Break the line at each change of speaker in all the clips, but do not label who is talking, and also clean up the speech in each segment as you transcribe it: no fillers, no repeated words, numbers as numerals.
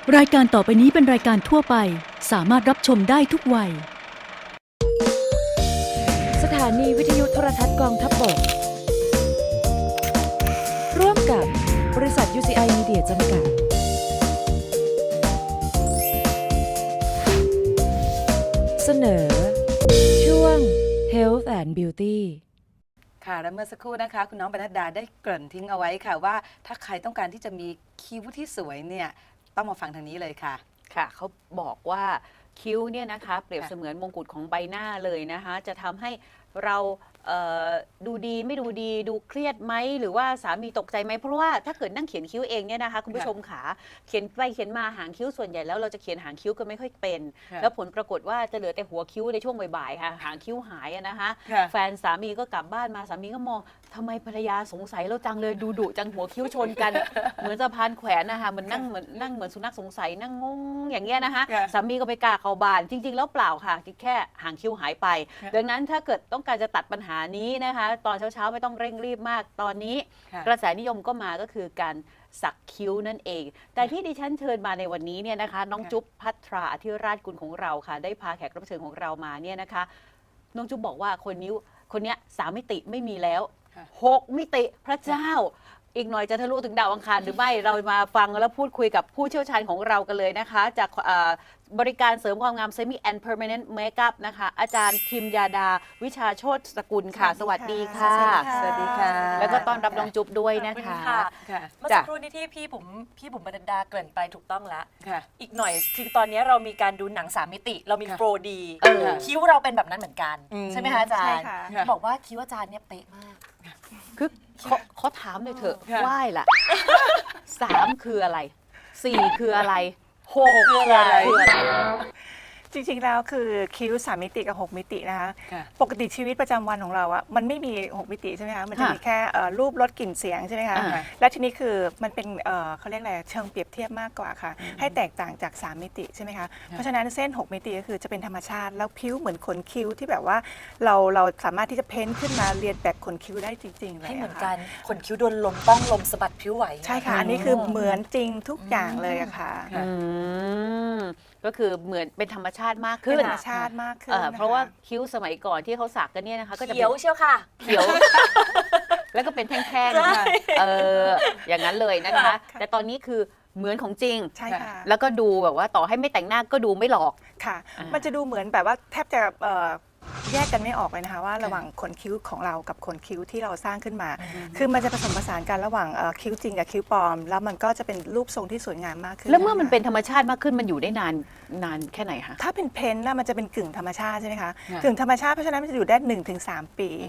รายการต่อไปนี้เป็นรายการทั่วไปสามารถรับชมได้ทุกวัย
สถานีวิทยุโทรทัศน์กองทัพบกร่วมกับบริษัท UCI Media จำกัดเสนอช่วง Health and Beauty
ค่ะและเมื่อสักครู่นะคะคุณน้องปนัดดาได้เกริ่นทิ้งเอาไว้ค่ะว่าถ้าใครต้องการที่จะมีคิ้วที่สวยเนี่ยต้องมาฟังทางนี้เลยค่ะ
ค่ะเขาบอกว่าคิ้วเนี่ยนะคะเปรียบเสมือนมงกุฎของใบหน้าเลยนะคะจะทำให้เราดูดีไม่ดูดีดูเครียดไหมหรือว่าสามีตกใจไหมเพราะว่าถ้าเกิดนั่งเขียนคิ้วเองเนี่ยนะคะคุณผู้ชมขาเขียนไปเขียนมาหางคิ้วส่วนใหญ่แล้วเราจะเขียนหางคิ้วก็ไม่ค่อยเป็นแล้วผลปรากฏว่าจะเหลือแต่หัวคิ้วในช่วงบ่ายๆค่ะหางคิ้วหายนะคะแฟนสามีก็กลับบ้านมาสามีก็มองทำไมภรรยาสงสัยเราจังเลยดูดุจังหัวคิ้วชนกัน เหมือนสะพานแขวนนะคะมันนั่งเหมือนสุนัขสงสัยนั่งงงอย่างเงี้ยนะคะสามีก็ไปกาเข้าบ้านจริงๆแล้วเปล่าค่ะแค่หางคิ้วหายไปดังนั้นถ้าเกิดต้องการจะตัดปัญหานี้นะคะตอนเช้าๆไม่ต้องเร่งรีบมากตอนนี้กระแสนิยมก็มาก็คือการสักคิ้วนั่นเองแต่ที่ดิฉันเชิญมาในวันนี้เนี่ยนะคะน้องจุ๊บภัทราอธิราชกุลของเราค่ะได้พาแขกรับเชิญของเรามาเนี่ยนะคะน้องจุ๊บบอกว่าคนนี้3 มิติไม่มีแล้ว6 มิติพระเจ้าอีกหน่อยจะทะลุถึงดาวอังคารหรือไม่เรามาฟังแล้วพูดคุยกับผู้เชี่ยวชาญของเรากันเลยนะคะจากบริการเสริมความงาม Semi and Permanent Makeup นะคะอาจารย์ทิมยาดาวิชาโชติสกุลค่ะสวัสดีค่ะ
สวัสดีค่ะ
แล้วก็ต้อนรับน้องจุ๊บด้วยนะคะ
เมื่อสักครู่นี้ที่พี่บุ๋มบรรดาเกริ่นไปถูกต้องแล้วอีกหน่อยคือตอนนี้เรามีการดูหนัง3 มิติเรามีโปรดีคิ้วเราเป็นแบบนั้นเหมือนกันใช่ไหมคะอาจารย์บอกว่าคิ้วอาจารย์เนี่ยเป๊ะมาก
คือเขาถามเลยเถอะไหว้ล่ะ3 คืออะไร4 คืออะไร6 คืออะไร
จริงๆแล้วคือคิ้ว3 มิติกับ6 มิตินะคะปกติชีวิตประจำวันของเราอะมันไม่มี6 มิติใช่ไหมคะมันจะมีแค่รูปรสกลิ่นเสียงใช่ไหมคะและทีนี้คือมันเป็นเขาเรียกอะไรเชิงเปรียบเทียบมากกว่าค่ะให้แตกต่างจาก3 มิติใช่ไหมคะเพราะฉะนั้นเส้น6 มิติก็คือจะเป็นธรรมชาติแล้วผิวเหมือนขนคิ้วที่แบบว่าเราสามารถที่จะเพ้นขึ้นมาเรียนแบบขนคิ้วได้จริงๆเลย
ให้เหมือนกันขนคิ้วโดนลมต้องลมสะบัดผิวไหว
ใช่ค่ะอันนี้คือเหมือนจริงทุกอย่างเลยอะค่ะ
ก็คือเหมือนเป็นธรรมชาติมากขึ้น
ธรรมชาติมากขึ้น
เพราะว่าคิ้วสมัยก่อนที่เขาสักกันเนี่ยนะคะก็จะ
เขียวเชียวค่ะ
เขียวแล้วก็เป็นแท่งๆอย่างนั้นเลยนะคะแต่ตอนนี้คือเหมือนของจริง
ใช่ค่ะ
แล้วก็ดูแบบว่าต่อให้ไม่แต่งหน้าก็ดูไม่หลอก
ค่ะมันจะดูเหมือนแบบว่าแทบจะแยกกันไม่ออกเลยนะคะว่าระหว่างขนคิ้วของเรากับขนคิ้วที่เราสร้างขึ้นมาคือมันจะผสมผสานกันระหว่างคิ้วจริงกับคิ้วปลอมแล้วมันก็จะเป็นรูปทรงที่สวยงามมากขึ้น
แล้วเมื่อมันเป็นธรรมชาติมากขึ้นมันอยู่ได้นานแค่ไหนคะ
ถ้าเป็นเพ้นท์น่ะมันจะเป็นกึ่งธรรมชาติใช่ไหมคะกึ่งธรรมชาติเพราะฉะนั้นมันจะอยู่ได้ 1-3 ปี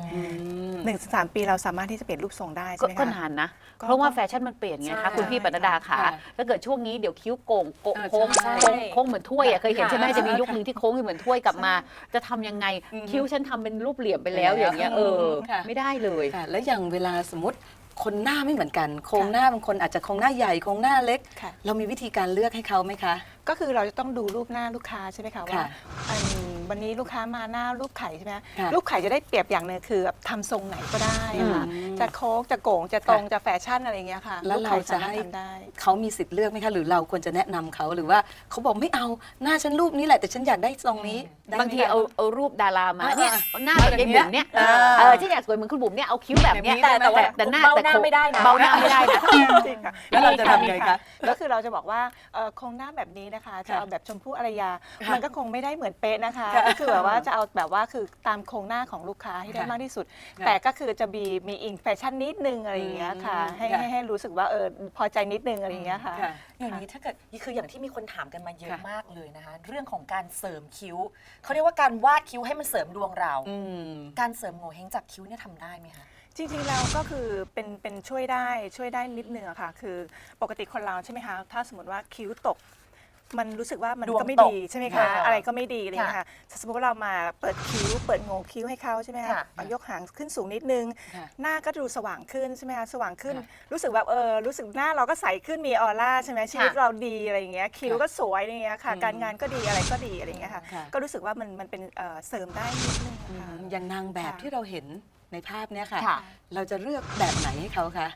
1-3 ปีเราสามารถที่จะเปลี่ยนรูปทรงได้ใช่ไหมคะ
ก็นานนะเพราะว่าแฟชั่นมันเปลี่ยนไงคะคุณพี่ปนัดดาค่ะถ้าเกิดช่วงนี้เดี๋ยวคิ้วโก่งโค้งเหมือนถ้วยเคยเห็นใช่ไหมจะมียุคนึงที่โค้งเหมือนถ้วยกลับมาจะทำยังไงคิ้วฉันทำเป็นรูปเหลี่ยมไปแล้วอย่างเงี้ยไม่ได้เลย
แล้วอย่างเวลาสมมติคนหน้าไม่เหมือนกันโครงหน้าบางคนอาจจะโครงหน้าใหญ่โครงหน้าเล็กเรามีวิธีการเลือกให้เขาไหมคะ
ก็คือเราจะต้องดูรูปหน้าลูกค้าใช่ไหมคะว่าวันนี้ลูกค้ามาหน้ารูปไข่ใช่ไหมรูปไข่จะได้เปรียบอย่างหนึ่งคือทำทรงไหนก็ได้ค่ะจะโค้งจะโก่งจะตรงจะแฟชั่นอะไรอย่างเงี้ยค่ะ
แล้วเราจะให้เขามีสิทธิ์เลือกไหมคะหรือเราควรจะแนะนำเขาหรือว่าเขาบอกไม่เอาหน้าฉันรูปนี้แหละแต่ฉันอยากได้ทรงนี้
บางทีเอารูปดารามาเนี่ยหน้าแบบยายบุ๋มเนี่ยที่อยากสวยเหมือนคุณบุ๋มเนี่ยเอาคิ้วแบบเนี้ย
แต่หน้าไม่ได้นะ
เบาหน้าไม่ได้นะ
จริงค่ะแล้วเราจะทำไงคะก็คือเราจะบอกว่าโครงหน้าแบบนี้นะคะจะเอาแบบชมพู่อารยามันก็คงไม่ได้เหมือนเป๊ะนะคะก็คือแบบว่าจะเอาแบบว่าคือตามโครงหน้าของลูกค้าให้ได้มากที่สุดแต่ก็คือจะมีอิงแฟชั่นนิดนึงอะไรอย่างเงี้ยค่ะให้รู้สึกว่าพอใจนิดนึงอะไรอย่างเงี้ยค่ะ
อย่างนี้ถ้าเกิดคืออย่างที่มีคนถามกันมาเยอะมากเลยนะคะเรื่องของการเสริมคิ้วเขาเรียกว่าการวาดคิ้วให้มันเสริมดวงเราการเสริมโงเ่เฮงจากคิ้วเนี่ยทำได้ไหมคะ
จริงๆแล้วก็คือเป็นช่วยได้นิดนึงอะค่ะคือปกติคนเราใช่ไหมคะถ้าสมมติว่าคิ้วตกมันรู้สึกว่ามันก็ไม่ดีใช่ไหมคะอะไรก็ไม่ดีเลยค่ะสมมติว่าเรามาเปิดคิ้วเปิดโงคิ้วให้เขาใช่ไหมคะยกหางขึ้นสูงนิดนึงหน้าก็ดูสว่างขึ้นใช่ไหมคะสว่างขึ้นรู้สึกแบบรู้สึกหน้าเราก็ใสขึ้นมีออร่าใช่ไหมชีวิตเราดีอะไรอย่างเงี้ยคิ้วก็สวยอย่างเงี้ยค่ะการงานก็ดีอะไรก็ดีอะไรอย่างเงี้ยค่ะก็รู้สึกว่ามันเป็นเสริมได้นิดนึง
อย่างนางแบบที่เราเห็นในภาพเนี้ยค่ะเราจะเลือกแบบไหนให้เขาคะ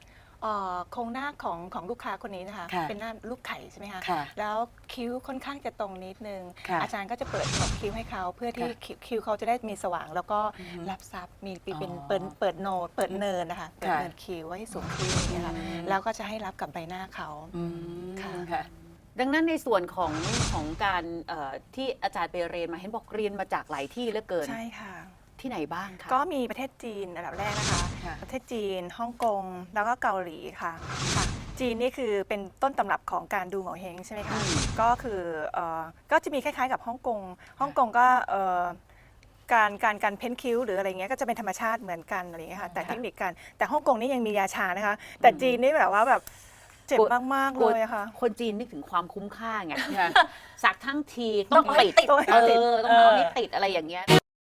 โครงหน้าของลูกค้าคนนี้นะคะ
ค่ะ
เป็นหน้าลูกไข่ใช่ไหมคะ
ค่ะ
แล้วคิ้วค่อนข้างจะตรงนิดนึง
ค่ะ
อาจารย์ก็จะเปิดขอบคิ้วให้เขาเพื่อที่
ค่ะ
คิ้วเขาจะได้มีสว่าง แล้วก็
อือฮึ
รับซับมีเป็น
อ๋อ
เปิดโนดเปิดเนินนะคะเปิด
ค่ะ
เนินคิ้วไว้ให้สูงขึ้นอย่างเงี้ยค่ะ
อืม
แล้วก็จะให้รับกับใบหน้าเขา
อืม
ค่ะ
ค่ะ
ดังนั้นในส่วนของการที่อาจารย์ไปเรียนมาเห็นบอกเรียนมาจากหลายที่เหลือเกิน
ใช่ค่ะ
ที่ไหนบ้างคะ
ก็มีประเทศจีนอันดับแรกนะคะ
ค่ะ
ประเทศจีนฮ่องกงแล้วก็เกาหลีค่ะค่ะ จีนนี่คือเป็นต้นตำรับของการดูโงเ่เฮงใช่ไหมคะ ก็คือก็จะมีคล้ายๆกับฮ่องกงฮ่องกงก็การเพ้นคิ้วหรืออะไรเงี้ยก็จะเป็นธรรมชาติเหมือนกันอะไรเงี้ยค่ะแต่เทคนิคกันแต่ฮ่องกงนี่ยังมียาชานะคะ แต่จีนนี่แบบว่าแบบเจ็บมากๆเลยอะค่ะ
คนจีนนึกถึงความคุ้มค่าไง
ค่ะ
สักทั้งที
ต้
ต้
อ
อง ง
เอาให้
ติด
ติด
ต้องเอาให้ติดอะไรอย่างเงี้ย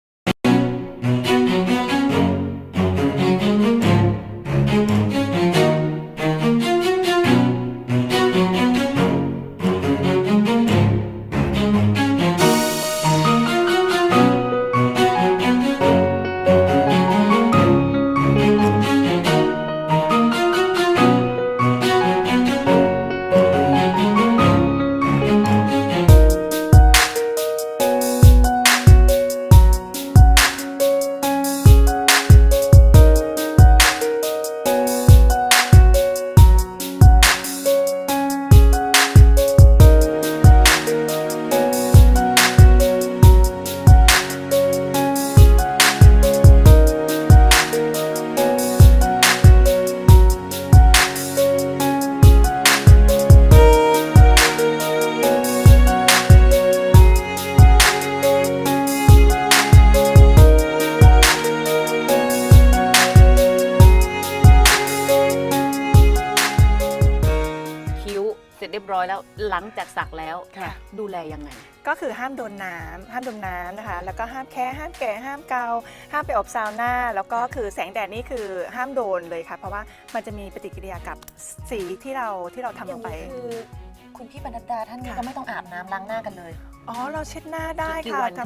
คิ้วเสร็จเรียบร้อยแล้วหลังจากสักแล้ว
ค่ะ
ดูแลยังไง
ก็คือห้ามโดนน้ำห้ามโดนน้ำนะคะ แล้วก็ห้ามแค่ห้ามแกะห้ามเกาห้ามไปอบซาวน่าแล้วก็คือแสงแดดนี่คือห้ามโดนเลยค่ะ เพราะว่ามันจะมีปฏิกิริยากับสีที่เราทำ
อ
ล
ย่าง
งไป
นี้คือคุณพี่บรรณดาท่านนี้
ค่ะ
ก็ไม่ต้องอาบน้ำล้างหน้ากันเลย
อ๋อเราเช็ดหน้าได้
กี่
ค่ะ
วันคะ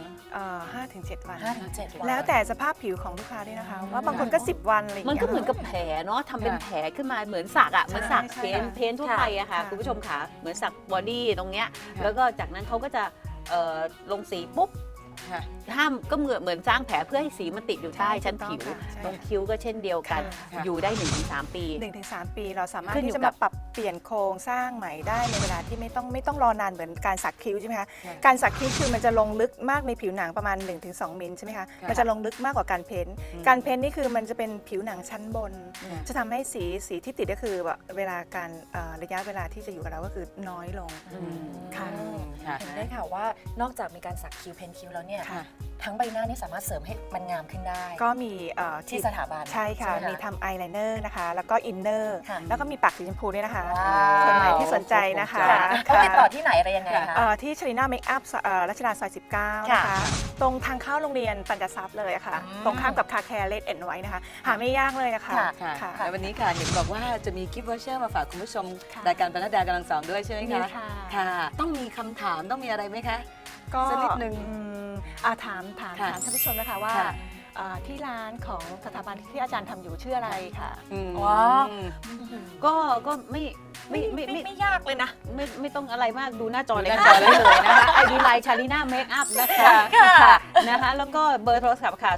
5 ถึง 7 วัน
5-7 วัน
แล้วแต่สภาพผิวของลูกค้าด้วยนะคะ ว่าบางคนก็ 10 วันอะไรอย่าง
มัน
เงี้ย
ก็เหมือนกับแผลเนาะทำเป็นแผลขึ้นมาเหมือนสักอะเหมือนสัก
ใช่
เพ้น
ค่ะ
เพ้นทั่วไปอะค่ะ
ค่ะ
คุณผู้ชมค่ะเหมือนสักบอดี้ตรงเนี้ย
ค่ะ
แล้วก็จากนั้นเขาก็จะลงสีปุ๊บ
ค่ะ
ห้ามก็เหมือนสร้างแผลเพื่อให้สีมันติดอยู่ใต้ชั้นผิว
ถูกต้องค่ะใช่
ตรงคิ้วก็เช่นเดียวกัน
ค่ะ
อยู่ได้ 1-3 ปี
1-3 ปีเราสามารถ
ขึ้นอยู่
ที่จะ
กั
มา
บ
ปรับเปลี่ยนโครงสร้างใหม่ได้ในเวลาที่ไม่ต้องรอนานเหมือนการสักคิ้วใช่ไหมคะ
ค่ะ
การสักคิ้วคือมันจะลงลึกมากในผิวหนังประมาณ 1-2 มิลใช่ไหมคะ
ค่ะ
มันจะลงลึกมากกว่าการเพ้นท์การเพ้นท์นี่คือมันจะเป็นผิวหนังชั้นบน
ค่ะ
จะทำให้สีที่ติดก็คือแบบเวลาการระยะเวลาที่จะอยู่กับเราก็คือน้อยลง ค่ะ
ค่ะ
เห็นได้ค่ะว่านอกจากมีการสักคิ้วเพ้นคิ้วแล้วเนี่ย
ค่ะ
ทั้งใบหน้านี่สามารถเสริมให้มันงามขึ้นได้
ก็มี
ที่สถาบัน
ใช่ค่ะ
ใช่ไหมคะ
มีทำอายไลเนอร์นะคะ แล้วก็อินเนอร์
ค่ะ
แล้วก็มีปากสีชมพูด้วยนะคะ
ว้าว
คนไหนที่สนใจนะคะ
ค่ะเขาติดต่อที่ไหนอะไรยังไงคะ
ที่ชลิน่าเมคอัพรัชดาซอย 19 นะคะ
ค่ะ
ตรงทางเข้าโรงเรียนปัญจทรัพย์เลยอะค่ะ
อืม
ตรงข้ามกับคาแคร์เลดเอ็นไว้นะคะ หาไม่ยากเลยนะคะ
ค่ะ
ค่ะและวันนี้ค่ะเห็นบอกว่าจะมีกิฟต์วอเชอร์มาฝากคุณผู้ชม
ค่ะ
รายการปนัดดากำลังสองด้วยใช่ไหม
มี
คะ
ค่ะ
ค่ะ ต้องมีคำถามต้องมีอะไรไหมคะ
ก็
สักนิดนึง
ถาม
ค่ะ
ท่านผู้ชมนะคะว่า
ค่ะ
ที่ร้านของสถาบันที่อาจารย์ทำอยู่ชื่ออะไรค่ะ
ว้าว
ก็
ไม่ยากเลยนะ
ไม่ต้องอะไรมากดูหน้าจอเลย
ดูห
ค่ะ
น้าจอ
ได้เลยนะคะ ID Line Charina Makeup นะคะค่ะนะคะแล้วก็เบอร์โทรศัพท์ค่ะ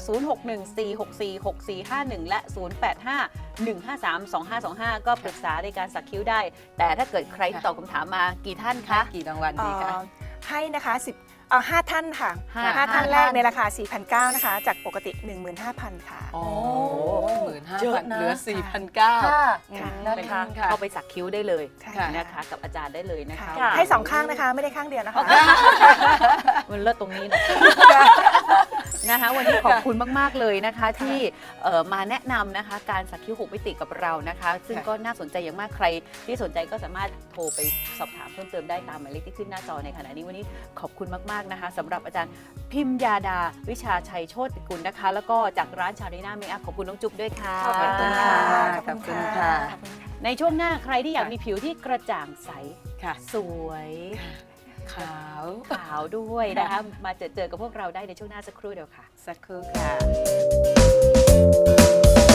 0614646451 และ 0851532525 ก็ปรึกษาในการสักคิ้วได้ แต่ถ้าเกิดใครที่ตอบคำถามมากี่ท่านคะ
กี่รางวัลดีคะ
ให้นะคะ5 ท่านค่ะ
ห้า
5 ท่านแรก
ท่าน
ในราคา 4,900 นะคะ จากปกติ 15,000 ค่ะ
โอ้
เยอะ
15,000
นะ
เหลือ 4,900
ค่ะ
ค่ะ
นะคะ
ค่ะ
เข้าไปสักคิ้วได้เลย
ใช่
ค่ะ
นะคะกับอาจารย์ได้เลยนะคะ
ค่ะ
ให้ 2 ข้างนะคะ ไม่ได้ข้างเดียวนะคะ
มันเลิศตรงนี้นะ นะคะวันนี้ขอบคุณมาก ๆ เลยนะคะ ที่มาแนะนำนะคะ การสักคิ้ว6มิติกับเรานะคะ ซึ่งก็น่าสนใจอย่างมากใคร ที่สนใจก็สามารถโทรไปสอบถามเพิ่มเติมได้ตามหมายเลขที่ขึ้นหน้าจอในขณะนี้วันนี้ขอบคุณมาก ๆ นะคะสำหรับอาจารย์พิมยาดาวิชาชัยโชติกุลนะคะ แล้วก็จากร้านชาริน่าเมคอัพขอบคุณน้องจุ๊บด้วยค่ะ
ขอบ
ขอบคุณค่ะขอบคุณค่ะ
ในช่วงหน้าใครที่อยากมีผิวที่กระจ่างใส
ค่ะ
สวย
ขาว
ขาวด้วยนะคะมาเจอกับพวกเราได้ในช่วงหน้าสักครู่เดียวค่ะ
สักครู่ค่ะ